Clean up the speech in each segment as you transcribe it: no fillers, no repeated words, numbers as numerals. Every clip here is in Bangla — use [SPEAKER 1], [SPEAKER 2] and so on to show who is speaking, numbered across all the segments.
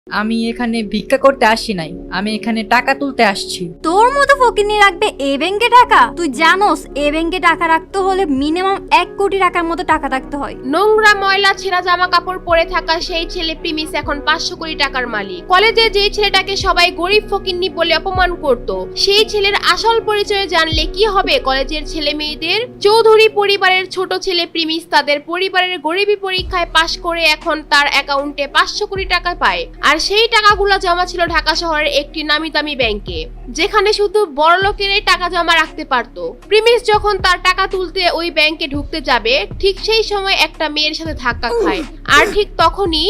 [SPEAKER 1] আমি এখানে ভিক্ষা করতে আসি নাই, আমি এখানে টাকা তুলতে আসছি।
[SPEAKER 2] তোর মতো ফকিনি রাখবে এই ব্যাংকে টাকা? তুই জানোস এই ব্যাংকে টাকা রাখতে হলে মিনিমাম 1 কোটি টাকার মতো টাকা রাখতে হয়।
[SPEAKER 3] নোংরা ময়লা ছেঁড়া জামা কাপড় পরে থাকা সেই ছেলে প্রিমিস এখন 500 কোটি টাকার মালিক। কলেজে যে ছেলেটাকে সবাই গরিব ফকিন্নি বলে অপমান করত, সেই ছেলের আসল পরিচয় জানলে কি হবে কলেজের ছেলে মেয়েদের? চৌধুরী পরিবারের ছোট ছেলে প্রিমিস তাদের পরিবারের গরিবী পরীক্ষায় পাশ করে এখন তার অ্যাকাউন্টে 500 কোটি টাকা পায়। আর সেই টাকাগুলো জমা ছিল ঢাকা শহরের একটি নামি দামি ব্যাংকে, যেখানে শুধু বড় লোকেরাই টাকা জমা রাখতে পারত। প্রিমিস যখন তার টাকা তুলতে ওই ব্যাংকে ঢুকতে যাবে, ঠিক সেই সময় একটা মেয়ের সাথে ধাক্কা খায়। আর ঠিক তখনই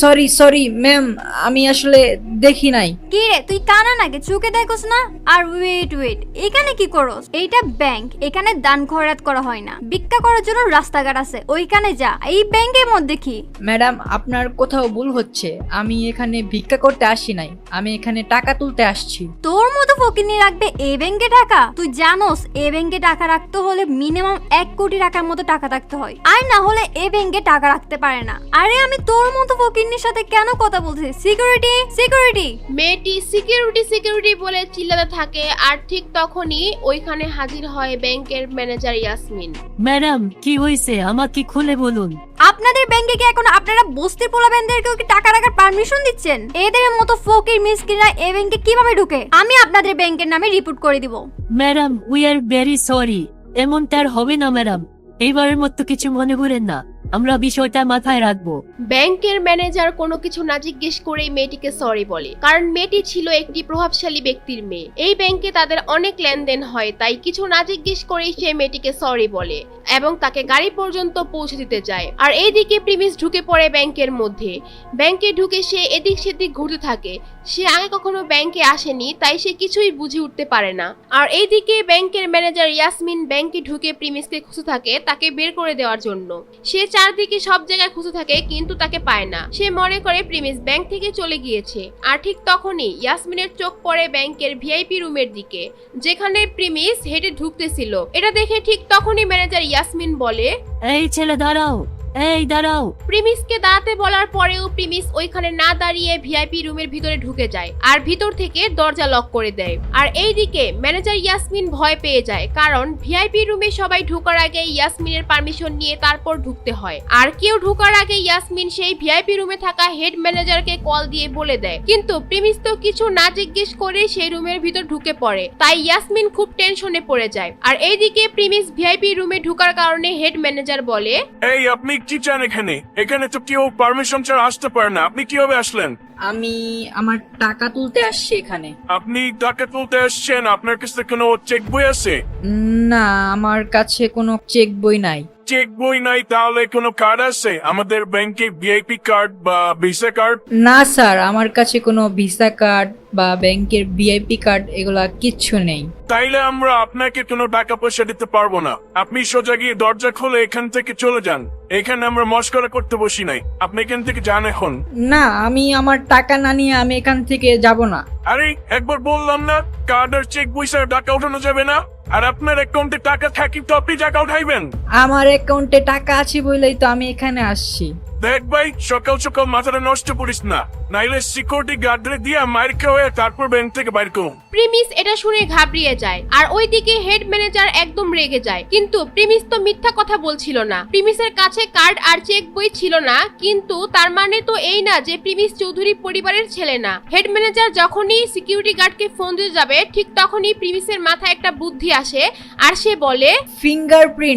[SPEAKER 1] সরি ম্যাম, আমি আসলে দেখি নাই।
[SPEAKER 2] কি রে, তুই কানা নাকি? চোখে দেখোস না? আর ওয়েট এখানে কি করস? এইটা ব্যাংক, এখানে দান খয়রাত করা হয় না। ভিক্ষা করার জন্য রাস্তাঘাট আছে, ওইখানে যা। এই ব্যাংকের মধ্যে কি?
[SPEAKER 1] ম্যাডাম, আপনার কোথাও ভুল হচ্ছে। আমি এখানে ভিক্ষা করতে আসি নাই, আমি এখানে টাকা তুলতে আসছি।
[SPEAKER 2] তোর মতো ফকিনি রাখবে এই ব্যাংকে টাকা? তুই জানোস এই ব্যাংকে টাকা রাখতে হলে মিনিমাম 1 কোটি টাকার মতো টাকা রাখতে হয়, আর না হলে এই ব্যাংকে টাকা রাখতে পারে না। আরে আমি তোর মতো ফকিনির সাথে কেন কথা বলছি? সিকিউরিটি।
[SPEAKER 3] মেয়েটি সিকিউরিটি বলে চিল্লাতে থাকে। আর ঠিক তখনই ওইখানে হাজির হয় ব্যাংকের ম্যানেজার ইয়াসমিন।
[SPEAKER 4] ম্যাডাম, কি হয়েছে আমাকে খুলে বলুন।
[SPEAKER 2] আপনাদের ব্যাংকে কি এখন আপনারা বস্তির পোলাবেনদেরকেও কি টাকা রাখার পারমিশন দিচ্ছেন? এদের মতো ফকির মিসকিনরা এই ব্যাংকে কিভাবে ঢুকে? আমি আপনাদের ব্যাংকের নামে রিপোর্ট করে দিব।
[SPEAKER 4] Madam, we are very sorry. এমনটা আর হবে না ম্যাডাম, এইবারের মতো কিছু মনে করেন না, আমরা বিষয়টা মাথায় রাখবো।
[SPEAKER 3] ব্যাংকের ম্যানেজার কোনো কিছু না জিজ্ঞেস করেই মেয়েটিকে সরি বলে, কারণ মেয়েটি ছিল একটি প্রভাবশালী ব্যক্তির মেয়ে। এই ব্যাংকে তাদের অনেক লেনদেন হয়, তাই কিছু না জিজ্ঞেস করেই সে মেয়েটিকে সরি বলে এবং তাকে গাড়ি পর্যন্ত পৌঁছে দিতে যায়। আর এইদিকে প্রিমিস ঢুকে পড়ে ব্যাংকের মধ্যে। ব্যাংকে ঢুকে সে এদিক সেদিক ঘুরতে থাকে। সে আগে কখনো ব্যাংকে আসেনি, তাই সে কিছুই বুঝে উঠতে পারে না। আর এইদিকে ব্যাংকের ম্যানেজার ইয়াসমিন ব্যাংকে ঢুকে প্রিমিসকে খুঁজে থাকে তাকে বের করে দেওয়ার জন্য। সে চারদিকে সব জায়গায় খুঁজে থাকে কিন্তু তাকে পায় না। সে মনে করে প্রিমিস ব্যাংক থেকে চলে গিয়েছে। আর ঠিক তখনই ইয়াসমিনের চোখ পড়ে ব্যাংকের ভিআইপি রুমের দিকে, যেখানে প্রিমিস হেঁটে ঢুকতেছিল। এটা দেখে ঠিক তখনই ম্যানেজার ইয়াসমিন বলে,
[SPEAKER 4] এই ছেলে দাঁড়াও, এই দাঁড়াও।
[SPEAKER 3] প্রিমিসকে দাঁড়াতে বলার পরেও প্রিমিস ওইখানে না দাঁড়িয়ে ভিআইপি রুমের ভিতরে ঢুকে যায় আর ভিতর থেকে দরজা লক করে দেয়। আর এইদিকে ম্যানেজার ইয়াসমিন ভয় পেয়ে যায়, কারণ ভিআইপি রুমে সবাই ঢোকার আগে ইয়াসমিনের পারমিশন নিয়ে তারপর ঢুকতে হয়। আর কেউ ঢোকার আগে ইয়াসমিন সেই ভিআইপি রুমে থাকা হেড ম্যানেজারকে কল দিয়ে বলে দেয়, কিন্তু প্রিমিস তো কিছু না জিজ্ঞেস করে সেই রুমের ভিতর ঢুকে পড়ে। তাই ইয়াসমিন খুব টেনশনে পড়ে যায়। আর এইদিকে প্রিমিস ভিআইপি রুমে ঢোকার কারণে হেড ম্যানেজার বলে,
[SPEAKER 5] এই আপনি কি চান এখানে? এখানে তো কেউ পারমিশন ছাড়া আসতে পারে না, আপনি কিভাবে আসলেন?
[SPEAKER 1] আমি আমার টাকা তুলতে আসছি এখানে।
[SPEAKER 5] আপনি টাকা তুলতে আসছেন, আপনার কাছে কোনো চেক বই আছে?
[SPEAKER 1] না, আমার কাছে কোনো চেক বই নাই।
[SPEAKER 5] চেক বই নাই, তাহলে কোনো কার্ড আছে আমাদের ব্যাংকে, ভিআইপি কার্ড বা ভিসা কার্ড?
[SPEAKER 1] না স্যার, আমার কাছে কোনো ভিসা কার্ড বা ব্যাংকের ভিআইপি কার্ড এগুলা কিচ্ছু নেই।
[SPEAKER 5] তাইলে আমরা আপনাকে কোনো টাকা পয়সা দিতে পারবো না। আপনি সোজা গিয়ে দরজা খুলে এখান থেকে চলে যান। এখানে আমরা মস্করা করতে বসি নাই, আপনি এখান থেকে যান এখন।
[SPEAKER 1] না, আমি আমার টাকা না নিয়ে আমি এখান থেকে যাব না।
[SPEAKER 5] আরে একবার বললাম না, কার্ড আর চেক বই ছাড়া টাকা উঠানো যাবে না। আর আপনার অ্যাকাউন্টে টাকা থাকি তো আপনি টাকা উঠাইবেন।
[SPEAKER 1] আমার অ্যাকাউন্টে টাকা আছে বলেই তো আমি এখানে আসছি।
[SPEAKER 5] দেখ ভাই, সকাল সকাল মাথাটা নষ্ট করিস না, নাইলে সিকিউরিটি গার্ডরে দিয়ে মার খাওয়া তারপর ব্যাংক থেকে বাইর করুন।
[SPEAKER 3] প্রিমিস এটা শুনে ঘাবড়িয়ে যায়। আর ওইদিকে হেড ম্যানেজার একদম রেগে যায়, কিন্তু প্রিমিস তো মিথ্যা কথা বলছিল না। প্রিমিসের কাছে কার্ড আর চেক বই ছিল না, কিন্তু তার মানে তো এই না যে প্রিমিস চৌধুরী পরিবারের ছেলে না। হেড ম্যানেজার যখনই সিকিউরিটি গার্ডকে ফোন দিতে যাবে, ঠিক তখনই প্রিমিসের মাথায় একটা বুদ্ধি আসে আর সে বলে,
[SPEAKER 1] ফিঙ্গারপ্রিন্ট।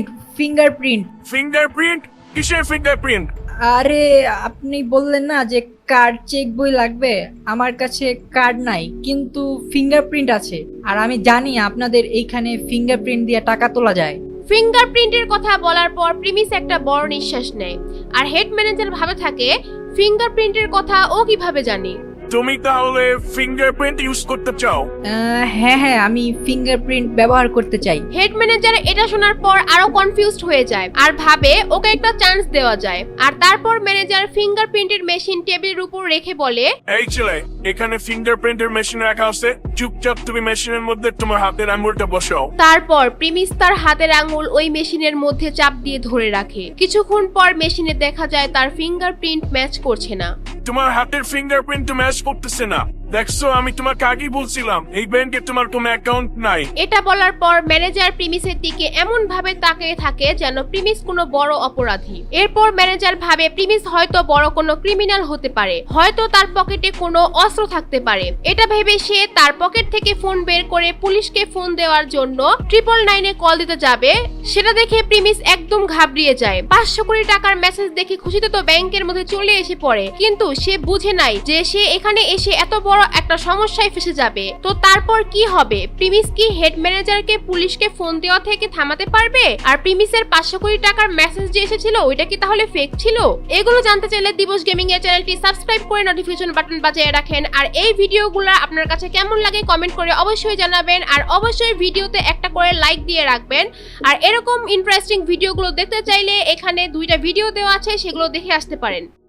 [SPEAKER 5] ফিঙ্গারপ্রিন্ট? কিসের ফিঙ্গারপ্রিন্ট?
[SPEAKER 1] আরে আপনি বললেন না যে কার্ড চেক বই লাগবে, আমার কাছে কার্ড নাই কিন্তু ফিঙ্গারপ্রিন্ট আছে। আর আমি জানি আপনাদের এইখানে ফিঙ্গারপ্রিন্ট দিয়ে টাকা তোলা যায়।
[SPEAKER 3] ফিঙ্গারপ্রিন্টের কথা বলার পর প্রিমিস একটা বড় নিঃশ্বাস নেয়। আর হেড ম্যানেজার ভাবে থাকে, ফিঙ্গারপ্রিন্টের কথা ও কিভাবে জানে?
[SPEAKER 5] তুমি তাহলে ফিঙ্গারপ্রিন্ট ইউজ করতে চাও?
[SPEAKER 1] হ্যাঁ হ্যাঁ, আমি ফিঙ্গারপ্রিন্ট ব্যবহার করতে চাই।
[SPEAKER 3] হেড ম্যানেজার এটা শোনার পর আরো কনফিউজড হয়ে যায় আর ভাবে ওকে একটা চান্স দেওয়া যায়। আর তারপর ম্যানেজার ফিঙ্গারপ্রিন্টের মেশিন টেবিলের উপর রেখে বলে,
[SPEAKER 5] এই ছেলে, এখানে ফিঙ্গারপ্রিন্টের মেশিন রাখা আছে, চুপচাপ তুমি মেশিনের মধ্যে তোমার হাতের আঙুলটা বসাও।
[SPEAKER 3] তারপর প্রিমিস তার হাতের আঙুল ওই মেশিনের মধ্যে চাপ দিয়ে ধরে রাখে। কিছুক্ষণ পর মেশিনে দেখা যায় তার ফিঙ্গারপ্রিন্ট ম্যাচ করছে না।
[SPEAKER 5] তোমার হাতের ফিঙ্গারপ্রিন্ট তো ম্যাচ করতেছে না। দেখছো, আমি তোমাকে আগেই বলছিলাম এই ব্যাংকে তোমার কোনো অ্যাকাউন্ট নাই।
[SPEAKER 3] এটা বলার পর ম্যানেজার প্রিমিসের দিকে এমন ভাবে তাকিয়ে থাকে যেন প্রিমিস কোনো বড় অপরাধী। এরপর ম্যানেজার ভাবে প্রিমিস হয়তো বড় কোনো ক্রিমিনাল হতে পারে, হয়তো তার পকেটে কোনো অস্ত্র থাকতে পারে। এটা ভেবে সে তার পকেট থেকে ফোন বের করে পুলিশকে ফোন দেওয়ার জন্য 999-এ কল দিতে যাবে। সেটা দেখে প্রিমিস একদম ঘাবড়িয়ে যায়। 500 কোটি টাকার মেসেজ দেখে খুশিতে তো ব্যাংকের মধ্যে চলে এসে পড়ে, কিন্তু সে বুঝে নাই যে সে এখানে এসে এত বড় একটা সমস্যায় ফেসে যাবে। তো তারপর কি হবে? প্রিমিস কি হেড ম্যানেজারকে পুলিশকে ফোন দেওয়া থেকে থামাতে পারবে? আর প্রিমিসের 500 কোটি টাকার মেসেজ যে এসেছিল ওইটা কি তাহলে ফেক ছিল? এগুলো জানতে চাইলে দিবস গেমিং এর চ্যানেলটি সাবস্ক্রাইব করে নোটিফিকেশন বাটন বাজিয়ে রাখেন। আর এই ভিডিওগুলো আপনার কাছে কেমন লাগে কমেন্ট করে অবশ্যই জানাবেন। আর অবশ্যই ভিডিওতে একটা করে লাইক দিয়ে রাখবেন। আর এরকম ইন্টারেস্টিং ভিডিওগুলো দেখতে চাইলে এখানে 2টা ভিডিও দেওয়া আছে, সেগুলো দেখে আসতে পারেন।